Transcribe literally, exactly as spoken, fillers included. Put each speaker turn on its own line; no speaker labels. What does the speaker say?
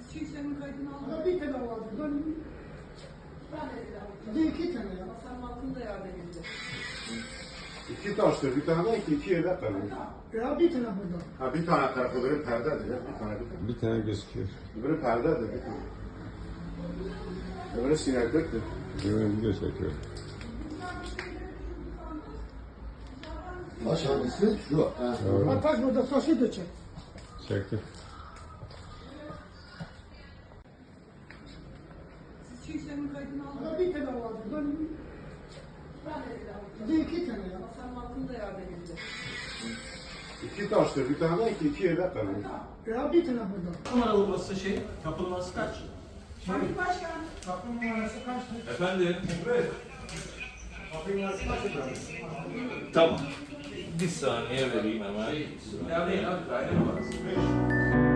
Çiğsenin kaydını aldım.
Ama bir tane vardı. Ben
Ben de bir
bir de iki tane ya.
Hasan Malkın da yardım edildi.
İki taştır, bir tane de iki, iki yedek var.
Ya bir tane burada.
Ha bir tane tarafı öbürü perdedir ya, bir tane bir tane.
Bir tane gözüküyor.
Öbürü perdedir, bir tane. Öbürü sinekliktir.
Böyle video çekiyor.
Taş hangisi? Şu. Ha.
Ha, taş burada, taşı da çek.
Çekti.
Çiğsenin kaydını aldım.
Ama bir tane vardı. Ben
Ben de
bir de iki tane ya.
Hasan Malkın da yardım edildi.
İki taştır, bir tane de iki, iki yedek var.
Ya bir tane burada.
Numaralı burası şey, kapı numarası kaç?
Hangi başkan?
Kapı numarası kaçtı?
Efendim?
Kapı numarası kaçtı?
Tamam. Bir saniye vereyim hemen.
Yani abi, daire numarası beş.